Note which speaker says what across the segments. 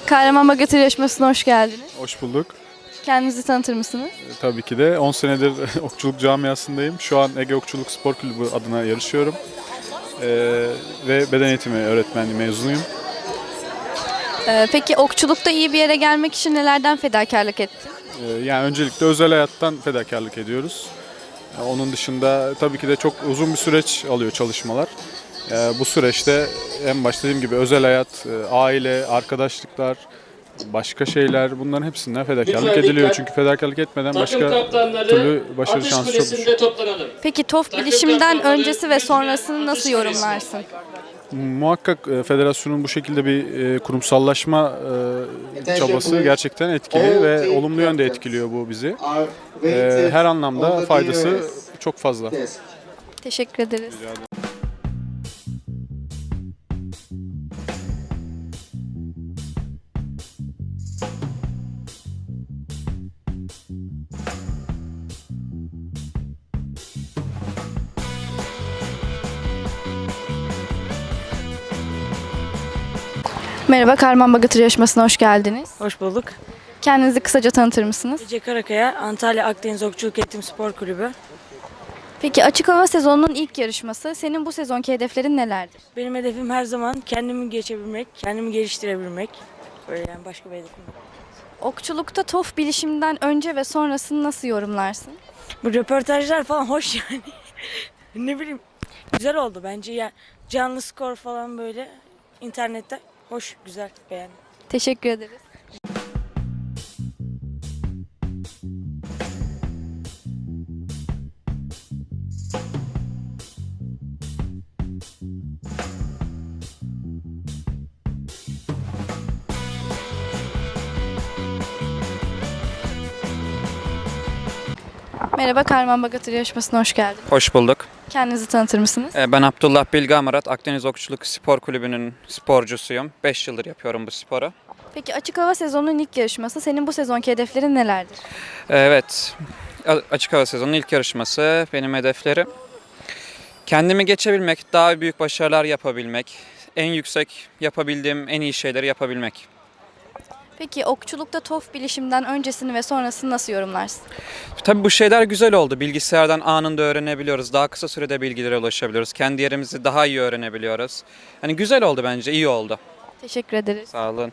Speaker 1: Kahramanmaraş Götür Yarışması'na hoş geldiniz.
Speaker 2: Hoş bulduk.
Speaker 1: Kendinizi tanıtır mısınız?
Speaker 2: Tabii ki de 10 senedir okçuluk camiasındayım. Şu an Ege Okçuluk Spor Kulübü adına yarışıyorum. Ve beden eğitimi öğretmenliği mezunuyum.
Speaker 1: Peki okçulukta iyi bir yere gelmek için nelerden fedakarlık ettin?
Speaker 2: Yani öncelikle özel hayattan fedakarlık ediyoruz. Onun dışında tabii ki de çok uzun bir süreç alıyor çalışmalar. Bu süreçte en başta dediğim gibi özel hayat, aile, arkadaşlıklar, başka şeyler bunların hepsinden fedakarlık ediliyor. Çünkü fedakarlık etmeden başka türlü başarı şansı çok düşük.
Speaker 1: Peki TOF bilişimden öncesi ve sonrasını nasıl yorumlarsın?
Speaker 2: Muhakkak federasyonun bu şekilde bir kurumsallaşma çabası gerçekten etkili ve olumlu yönde etkiliyor bu bizi. Her anlamda faydası çok fazla.
Speaker 1: Teşekkür ederiz.
Speaker 2: Rica ederim.
Speaker 1: Merhaba, Kahramanmaraş Götür Yarışması'na hoş geldiniz.
Speaker 3: Hoş bulduk.
Speaker 1: Kendinizi kısaca tanıtır mısınız?
Speaker 3: Ece Karakaya, Antalya Akdeniz Okçuluk Eğitim Spor Kulübü.
Speaker 1: Peki açık hava sezonunun ilk yarışması. Senin bu sezonki hedeflerin nelerdir?
Speaker 3: Benim hedefim her zaman kendimi geçebilmek, kendimi geliştirebilmek. Böyle yani başka bir hedefim yok.
Speaker 1: Okçulukta TOF bilişimden önce ve sonrasını nasıl yorumlarsın?
Speaker 3: Bu röportajlar falan hoş yani. Ne bileyim güzel oldu bence ya. Canlı skor falan böyle internette hoş, güzel, beğendim.
Speaker 1: Teşekkür ederiz. Merhaba, Kahramanmaraş Götür Yarışması'na hoş geldiniz.
Speaker 4: Hoş bulduk.
Speaker 1: Kendinizi tanıtır mısınız?
Speaker 4: Ben Abdullah Bilge Amarat, Akdeniz Okçuluk Spor Kulübü'nün sporcusuyum. 5 yıldır yapıyorum bu sporu.
Speaker 1: Peki açık hava sezonunun ilk yarışması. Senin bu sezonki hedeflerin nelerdir?
Speaker 4: Evet, açık hava sezonunun ilk yarışması benim hedeflerim. Kendimi geçebilmek, daha büyük başarılar yapabilmek, en yüksek yapabildiğim en iyi şeyleri yapabilmek.
Speaker 1: Peki okçulukta TOF bilişimden öncesini ve sonrasını nasıl yorumlarsın?
Speaker 4: Tabii bu şeyler güzel oldu. Bilgisayardan anında öğrenebiliyoruz. Daha kısa sürede bilgilere ulaşabiliyoruz. Kendi yerimizi daha iyi öğrenebiliyoruz. Hani güzel oldu bence, iyi oldu.
Speaker 1: Teşekkür ederiz.
Speaker 4: Sağ olun.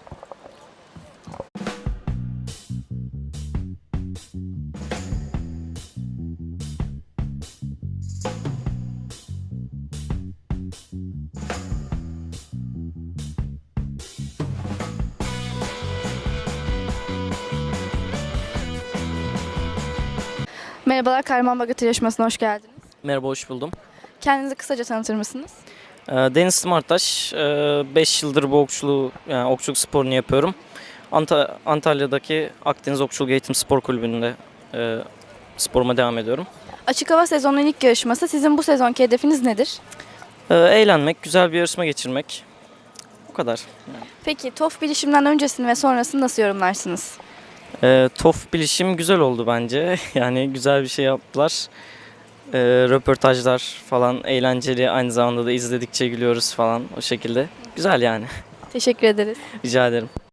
Speaker 1: Merhabalar, Kahramanmaraş Götür Yarışması'na hoş geldiniz.
Speaker 5: Merhaba, hoş buldum.
Speaker 1: Kendinizi kısaca tanıtır mısınız?
Speaker 5: Deniz Smartaş, 5 yıldır bu okçuluğu, yani okçuluk sporunu yapıyorum. Antalya'daki Akdeniz Okçuluk Eğitim Spor Kulübü'nde sporuma devam ediyorum.
Speaker 1: Açık hava sezonunun ilk yarışması. Sizin bu sezonki hedefiniz nedir?
Speaker 5: Eğlenmek, güzel bir yarışma geçirmek. O kadar.
Speaker 1: Peki TOF bilişimden öncesini ve sonrasını nasıl yorumlarsınız?
Speaker 5: TOF bilişim güzel oldu bence. Yani güzel bir şey yaptılar. Röportajlar falan eğlenceli. Aynı zamanda da izledikçe gülüyoruz falan o şekilde. Güzel yani.
Speaker 1: Teşekkür ederiz.
Speaker 5: Rica ederim.